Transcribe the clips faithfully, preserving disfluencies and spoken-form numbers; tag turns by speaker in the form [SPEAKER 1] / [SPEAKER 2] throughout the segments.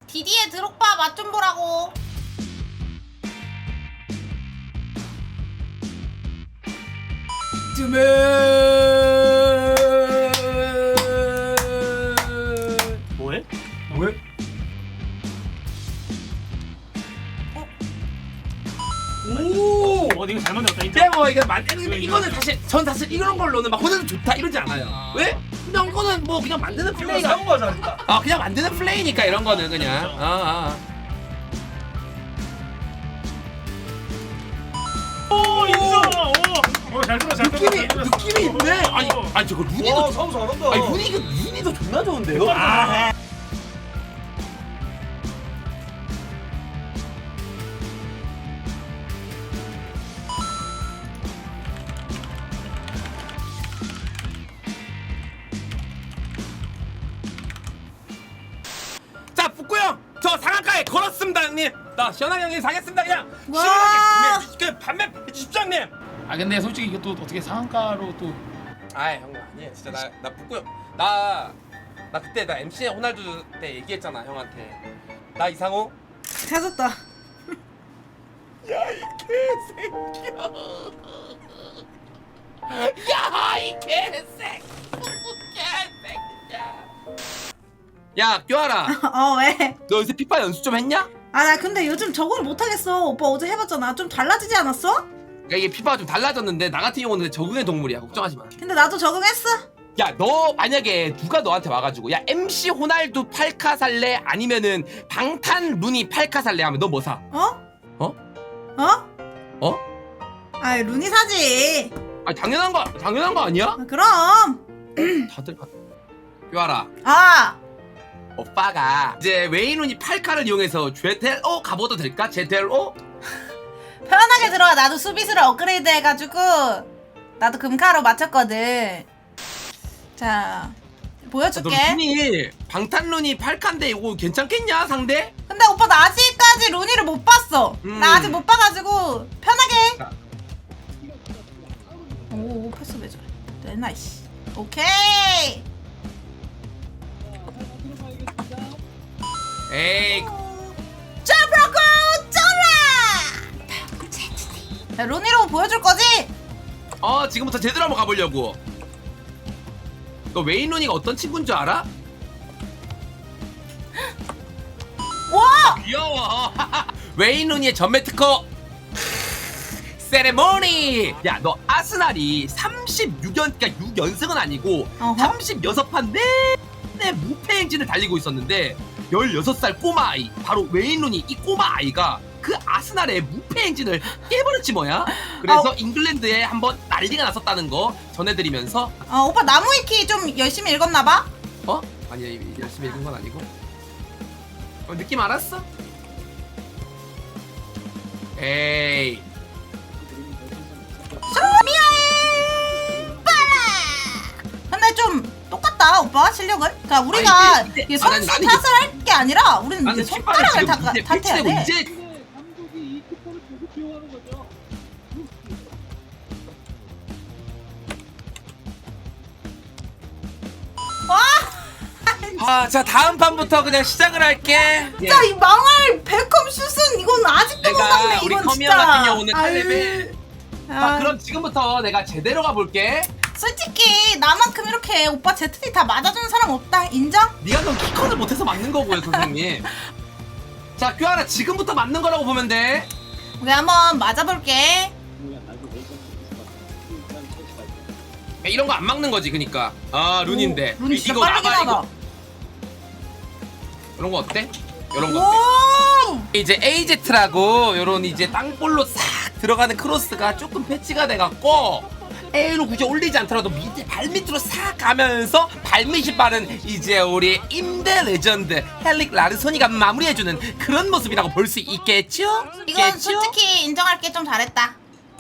[SPEAKER 1] 디디에 드록바 맛 좀 보라고.
[SPEAKER 2] 쯤에
[SPEAKER 3] 뭐해?
[SPEAKER 2] 뭐해? 오!
[SPEAKER 3] 어, 이거 잘 만들었다. 인정.
[SPEAKER 2] 근데 뭐 이게 만드는 게 이거는 사실 전 사실 이런 걸로는 막 호날두 좋다 이러지 않아요.
[SPEAKER 3] 아.
[SPEAKER 2] 왜? 그냥 이거는 뭐 그냥 만드는 플레이가
[SPEAKER 4] 사온 거잖아.
[SPEAKER 2] 아 그냥 만드는 플레이니까 이런 거는 그냥
[SPEAKER 3] 그렇죠.
[SPEAKER 2] 아, 아.
[SPEAKER 3] 오, 인정. 오, 어, 잘 들어, 잘 들어.
[SPEAKER 2] 느낌이 느낌이 있네. 아니 아니 저거 루니도
[SPEAKER 4] 와, 사온 잘한다.
[SPEAKER 2] 아니 루니 루니도 존나 좋은데요.
[SPEAKER 3] 아,
[SPEAKER 2] 자 북구 형, 저 상한가에 걸었습니다 형님. 나 시원하게 형님 사겠습니다 그냥.
[SPEAKER 1] 와.
[SPEAKER 2] 시원하게 그 판매 해주십시오 형님.
[SPEAKER 3] 아 근데 솔직히 이것도 어떻게 상한가로 또
[SPEAKER 2] 아이 형 아니에요 진짜 나 나 북구 형 나 나 그때 나 엠씨 호날두 때 얘기했잖아 형한테. 나 이상호.
[SPEAKER 1] 찾았다.
[SPEAKER 2] 야 이 개새끼야. 야 이 개새끼. 개새끼야. 야 껴아라.
[SPEAKER 1] 어 왜?
[SPEAKER 2] 너 요새 피파 연습 좀 했냐?
[SPEAKER 1] 아 나 근데 요즘 적응을 못하겠어. 오빠 어제 해봤잖아. 좀 달라지지 않았어?
[SPEAKER 2] 야 이게 피파가 좀 달라졌는데 나 같은 경우는 적응의 동물이야. 걱정하지 마.
[SPEAKER 1] 근데 나도 적응했어.
[SPEAKER 2] 야 너 만약에 누가 너한테 와가지고 야 엠씨 호날두 팔카 살래 아니면은 방탄 루니 팔카 살래 하면 너 뭐 사?
[SPEAKER 1] 어?
[SPEAKER 2] 어?
[SPEAKER 1] 어?
[SPEAKER 2] 어?
[SPEAKER 1] 아 루니 사지.
[SPEAKER 2] 아 당연한 거 당연한 거 아니야?
[SPEAKER 1] 아, 그럼.
[SPEAKER 2] 다들 뼈아라.
[SPEAKER 1] 아.
[SPEAKER 2] 오빠가 이제 웨인 루니 팔카를 이용해서 제텔오 가봐도 될까? 제텔오?
[SPEAKER 1] 편하게 들어와. 나도 수비수를 업그레이드 해가지고 나도 금카로 맞췄거든. 자
[SPEAKER 2] 너
[SPEAKER 1] 보여줄게.
[SPEAKER 2] 루니 방탄 루니 팔카인데 이거 괜찮겠냐 상대?
[SPEAKER 1] 근데 오빠 나 아직까지 루니를 못 봤어.
[SPEAKER 2] 음.
[SPEAKER 1] 나 아직 못 봐가지고 편하게.
[SPEAKER 2] 자.
[SPEAKER 1] 오, 오 패스 왜 저래? 네, 나이스. 오케이.
[SPEAKER 2] 에이
[SPEAKER 1] 짜브라고 쩔라. 야, 루니로 보여줄 거지?
[SPEAKER 2] 어 지금부터 제대로 한번 가보려고. 너 웨인 루니가 어떤 친구인 줄 알아?
[SPEAKER 1] 와!
[SPEAKER 2] 귀여워. 웨인 루니의 전매 특허 세레모니. 야 너 아스날이 삼십육 연 그러니까 육 연승은 아니고
[SPEAKER 1] 어허.
[SPEAKER 2] 삼십육 판 내내 무패 행진을 달리고 있었는데 열여섯 살 꼬마 아이 바로 웨인 루니 이 꼬마 아이가 그 아스날의 무패 행진을 깨버렸지 뭐야. 그래서
[SPEAKER 1] 어.
[SPEAKER 2] 잉글랜드에 한번 난리가 났었다는 거 전해드리면서
[SPEAKER 1] 어, 오빠 나무위키 좀 열심히 읽었나봐?
[SPEAKER 2] 어? 아니 열심히 읽은 건 아니고 어, 느낌 알았어? 에이
[SPEAKER 1] 미아이 빠라. 근데 좀 똑같다 오빠 실력은. 그러니까 우리가
[SPEAKER 2] 아니, 이제-
[SPEAKER 1] 이게
[SPEAKER 2] 이제-
[SPEAKER 1] 선수
[SPEAKER 2] 아, 나는
[SPEAKER 1] 탓을 할 게 아니라 우리는
[SPEAKER 2] 나는
[SPEAKER 1] 이제
[SPEAKER 2] 킥발을
[SPEAKER 1] 손가락을
[SPEAKER 2] 지금
[SPEAKER 1] 다
[SPEAKER 2] 이제
[SPEAKER 1] 탓해야
[SPEAKER 2] 패치되고
[SPEAKER 1] 돼.
[SPEAKER 2] 이제 아, 자 다음 판부터 그냥 시작을 할게. 예.
[SPEAKER 1] 진짜 이 망할 베컴 슛은 이건 아직도 못
[SPEAKER 2] 내가
[SPEAKER 1] 막네.
[SPEAKER 2] 우리
[SPEAKER 1] 이건
[SPEAKER 2] 커미어
[SPEAKER 1] 진짜.
[SPEAKER 2] 같은 경우는 팔
[SPEAKER 1] 아유.
[SPEAKER 2] 레벨. 자
[SPEAKER 1] 아,
[SPEAKER 2] 그럼 지금부터 내가 제대로 가볼게.
[SPEAKER 1] 솔직히 나만큼 이렇게 오빠 제트디 다 맞아주는 사람 없다. 인정?
[SPEAKER 2] 네가 그럼 키컨을 못해서 맞는 거고요 선생님. 자 큐아라 지금부터 맞는 거라고 보면 돼.
[SPEAKER 1] 우리 한번 맞아볼게.
[SPEAKER 2] 이런 거 안 막는 거지 그니까. 아 룬인데.
[SPEAKER 1] 오, 룬이 진짜
[SPEAKER 2] 이거
[SPEAKER 1] 빠르긴
[SPEAKER 2] 나가,
[SPEAKER 1] 하다.
[SPEAKER 2] 이거. 이런 거 어때? 이런 거 어때?
[SPEAKER 1] 오!
[SPEAKER 2] 이제 에이제트라고 요런 이제 땅볼로 싹 들어가는 크로스가 조금 패치가 돼갖고 A로 굳이 올리지 않더라도 밑에 발밑으로 싹 가면서 발밑이 빠른 이제 우리 임대 레전드 헬릭 라르소니가 마무리해주는 그런 모습이라고 볼 수 있겠죠?
[SPEAKER 1] 이건
[SPEAKER 2] 있겠죠?
[SPEAKER 1] 솔직히 인정할게. 좀 잘했다.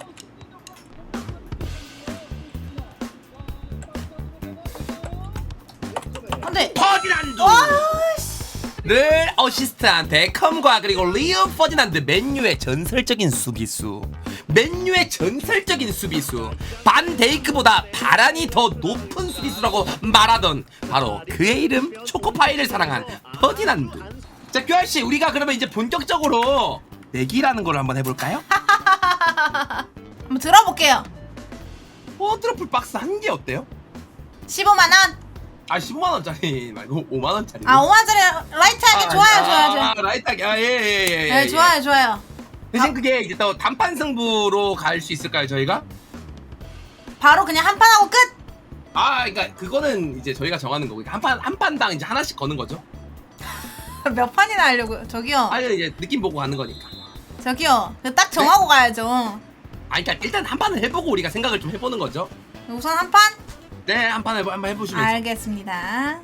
[SPEAKER 1] 근데
[SPEAKER 2] 퍼디난드
[SPEAKER 1] 와,
[SPEAKER 2] 를 어시스트한 베컴과 그리고 리오 퍼디난드 맨유의 전설적인 수비수 맨유의 전설적인 수비수 반 데이크보다 바란이 더 높은 수비수라고 말하던 바로 그의 이름 초코파이를 사랑한 퍼디난드. 자, 큐알 씨, 우리가 그러면 이제 본격적으로 내기라는 걸 한번 해볼까요?
[SPEAKER 1] 한번 들어볼게요.
[SPEAKER 2] 포트러플 박스 한 개 어때요?
[SPEAKER 1] 십오만 원.
[SPEAKER 2] 아, 십오만 원짜리 말고 오만 원짜리.
[SPEAKER 1] 아 오만 원짜리 라이트하게 좋아요, 좋아요, 좋아요.
[SPEAKER 2] 아, 라이트하게. 아, 예, 예, 예. 예,
[SPEAKER 1] 네,
[SPEAKER 2] 예.
[SPEAKER 1] 좋아요, 좋아요.
[SPEAKER 2] 대신 그게 이제 또 단판 승부로 갈 수 있을까요, 저희가?
[SPEAKER 1] 바로 그냥 한 판 하고 끝.
[SPEAKER 2] 아, 그러니까 그거는 이제 저희가 정하는 거고, 한 판 한 판당 이제 하나씩 거는 거죠.
[SPEAKER 1] 몇 판이나 하려고요? 저기요,
[SPEAKER 2] 아니 이제 느낌 보고 가는 거니까.
[SPEAKER 1] 저기요. 그딱 정하고 가야죠.
[SPEAKER 2] 아, 그러니까 일단 한 판을 해보고 우리가 생각을 좀 해보는 거죠.
[SPEAKER 1] 우선 한 판.
[SPEAKER 2] 네, 한 판 해보 한번 해보시면.
[SPEAKER 1] 알겠습니다.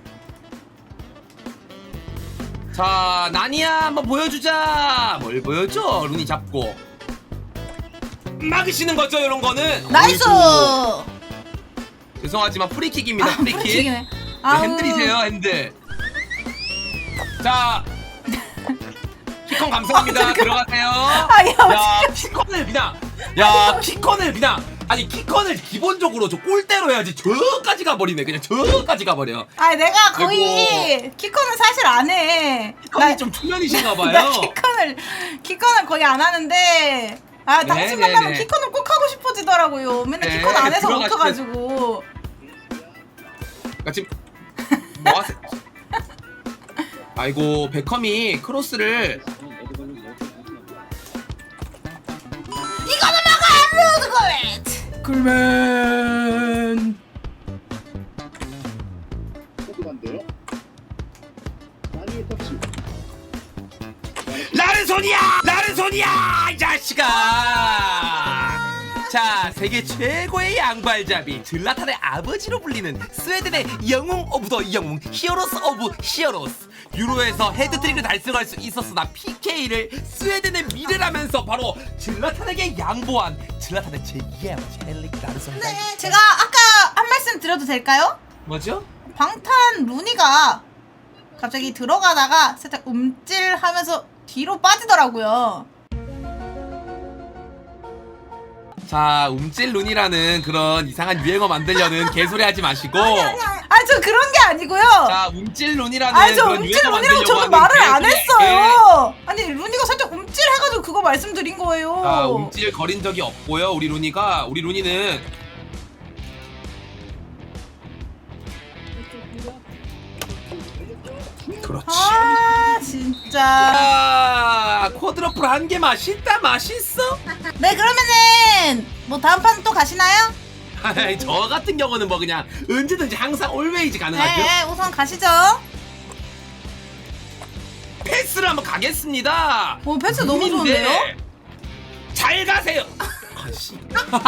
[SPEAKER 2] 자, 나니야 한번 보여주자. 뭘 보여줘? 루니 잡고 막으시는 거죠, 이런 거는.
[SPEAKER 1] 나이스.
[SPEAKER 2] 어이구. 죄송하지만 프리킥입니다.
[SPEAKER 1] 아,
[SPEAKER 2] 프리킥.
[SPEAKER 1] 프리킥이네.
[SPEAKER 2] 네,
[SPEAKER 1] 아우.
[SPEAKER 2] 핸들이세요, 핸들. 자, 키컨 감사합니다.
[SPEAKER 1] 어,
[SPEAKER 2] 들어가세요.
[SPEAKER 1] 아, 야,
[SPEAKER 2] 야, 키컨을 그냥, 야, 키컨을 그냥, 아니 키컨을 기본적으로 저 골대로 해야지 저까지 가버리네. 그냥 저까지 가버려.
[SPEAKER 1] 아, 내가 거의 키컨은 사실 안 해.
[SPEAKER 2] 키컨이 좀 초면이신가봐요.
[SPEAKER 1] 나 키컨을 키컨을 거의 안 하는데. 아,
[SPEAKER 2] 네,
[SPEAKER 1] 당신
[SPEAKER 2] 네,
[SPEAKER 1] 만나면
[SPEAKER 2] 네.
[SPEAKER 1] 키컨을 꼭 하고 싶어지더라고요. 맨날
[SPEAKER 2] 네,
[SPEAKER 1] 키컨 안 해서
[SPEAKER 2] 들어가시면-
[SPEAKER 1] 멈춰가지고.
[SPEAKER 2] 그러니까 지금 뭐 하세요? 아이고, 베컴이 크로스를.
[SPEAKER 1] 이거는 막아! 루드 골렛!
[SPEAKER 2] 굴맨. 나는 손이야! 나는 손이야! 이 자식아! 자, 세계 최고의 양발잡이 질라탄의 아버지로 불리는 스웨덴의 영웅 오브 더 영웅 히어로스 오브 히어로스. 유로에서 헤드트릭을 달성할 수 있었으나 피케이를 스웨덴의 미래라면서 바로 질라탄에게 양보한 질라탄의 제이의 아버지 헬릭 나르손.
[SPEAKER 1] 네, 제가 아까 한 말씀 드려도 될까요?
[SPEAKER 2] 뭐죠?
[SPEAKER 1] 방탄 루니가 갑자기 들어가다가 살짝 움찔하면서 뒤로 빠지더라고요.
[SPEAKER 2] 자, 움찔룬이라는 그런 이상한 유행어 만들려는 개소리 하지 마시고.
[SPEAKER 1] 아, 저 그런 게 아니고요.
[SPEAKER 2] 자, 움찔룬이라는
[SPEAKER 1] 아니, 저
[SPEAKER 2] 그런
[SPEAKER 1] 움찔
[SPEAKER 2] 유행어
[SPEAKER 1] 루니라고
[SPEAKER 2] 만들려고
[SPEAKER 1] 저도
[SPEAKER 2] 하는
[SPEAKER 1] 말을 안
[SPEAKER 2] 개소리-
[SPEAKER 1] 했어요. 아니, 루니가 살짝 움찔해가지고 그거 말씀드린 거예요.
[SPEAKER 2] 자, 움찔 거린 적이 없고요. 우리 루니가 우리 루니는 그렇지.
[SPEAKER 1] 아, 진짜.
[SPEAKER 2] 아, 쿼드러플 한 개 맛있다, 맛있어.
[SPEAKER 1] 네, 그러면은 뭐 다음 판 또 가시나요?
[SPEAKER 2] 아이, 저 같은 경우는 뭐 그냥 언제든지 항상 올웨이즈 가능하죠.
[SPEAKER 1] 네, 우선 가시죠.
[SPEAKER 2] 패스를 한번 가겠습니다.
[SPEAKER 1] 오, 패스 너무
[SPEAKER 2] 루니인데
[SPEAKER 1] 좋은데요?
[SPEAKER 2] 잘 가세요. 아씨.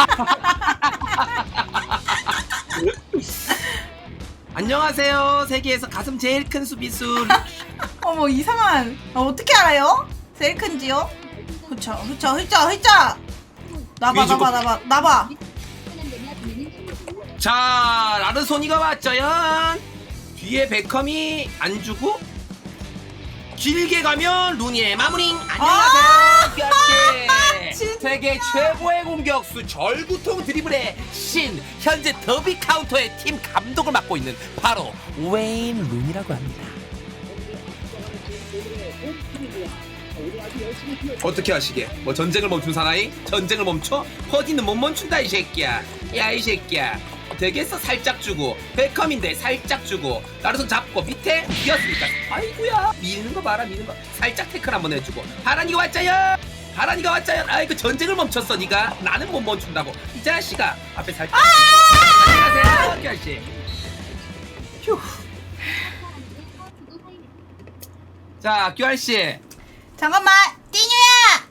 [SPEAKER 2] 안녕하세요. 세계에서 가슴 제일 큰 수비수.
[SPEAKER 1] 어머, 이상한. 어, 어떻게 알아요? 제일 큰지요? 흐쳐, 흐쳐, 흐쳐, 흐쳐. 나봐,
[SPEAKER 2] 위주고.
[SPEAKER 1] 나봐, 나봐, 나봐.
[SPEAKER 2] 자, 라르소니가 왔죠연. 뒤에 베컴이 안 주고 길게 가면 루니의 마무링. 안녕하세요.
[SPEAKER 1] 아,
[SPEAKER 2] 뼈씨.
[SPEAKER 1] 진짜.
[SPEAKER 2] 세계 최고의 공격수 절구통 드리블의 신, 현재 더비 카운터의 팀 감독을 맡고 있는 바로 웨인 루니라고 합니다. 어떻게 하시게? 뭐 전쟁을 멈춘 사나이? 전쟁을 멈춰? 허디는 못 멈춘다 이 새끼야. 야 이 새끼야. 되겠어. 살짝 주고 베컴인데 살짝 주고 나르손 잡고 밑에 비었으니까 아이고야 미는 거 봐라. 미는 거 살짝 태클 한번 해주고 하란이가 왔자요. 하란이가 왔자요. 아이고 전쟁을 멈췄어 니가. 나는 못 멈춘다고 이 자식아. 앞에 살짝 안녕하세요 결씨. 휴. 자 규알씨
[SPEAKER 1] 잠깐만, 띠뉴야.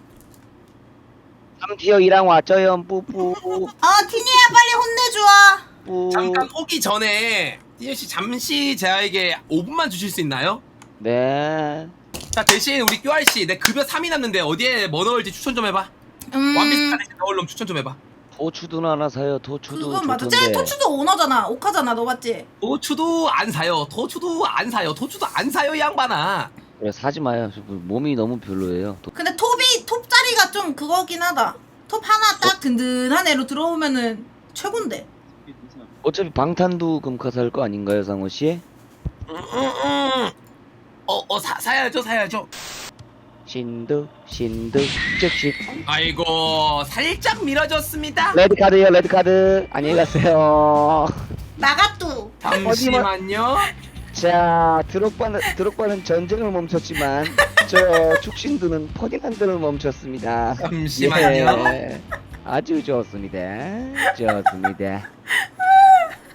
[SPEAKER 4] 삼티어 랑 왔죠요 뿌뿌
[SPEAKER 1] 어, 티뉴야, 빨리 혼내줘.
[SPEAKER 4] 뿌.
[SPEAKER 2] 잠깐 오기 전에 띠뉴씨 잠시 제아에게 오 분만 주실 수 있나요?
[SPEAKER 4] 네.
[SPEAKER 2] 자 대신 우리 큐알씨 내 급여 삼이 남는데 어디에 뭐 넣을지 추천 좀 해봐.
[SPEAKER 1] 음,
[SPEAKER 2] 원피스 안에 넣을 놈 추천 좀 해봐.
[SPEAKER 4] 도추도 하나 사요. 도추도
[SPEAKER 1] 그건 맞아.
[SPEAKER 4] 좋던데.
[SPEAKER 1] 쟤 토추도 오너잖아. 오카잖아. 너 맞지?
[SPEAKER 2] 도추도 안 사요. 도추도 안 사요. 도추도 안 사요 이 양반아.
[SPEAKER 4] 그래 사지 마요. 저 몸이 너무 별로예요. 도...
[SPEAKER 1] 근데 톱이 톱 자리가 좀 그거긴 하다. 톱 하나 딱 든든한 애로 들어오면은 최곤데.
[SPEAKER 4] 어차피 방탄도 금카 살 거 아닌가요, 상호 씨?
[SPEAKER 2] 음, 음, 음. 어어 사야죠 사야죠.
[SPEAKER 4] 신두 신두 즉시.
[SPEAKER 2] 아이고 살짝 밀어줬습니다.
[SPEAKER 4] 레드 카드요 레드 카드. 안녕히 가세요.
[SPEAKER 1] 나가뚜.
[SPEAKER 2] 잠시만요.
[SPEAKER 4] 자 드록바는 드록바는 전쟁을 멈췄지만 저 축신두는 퍼디난드를 멈췄습니다.
[SPEAKER 2] 잠시만요.
[SPEAKER 4] 예, 아주 좋습니다. 좋습니다.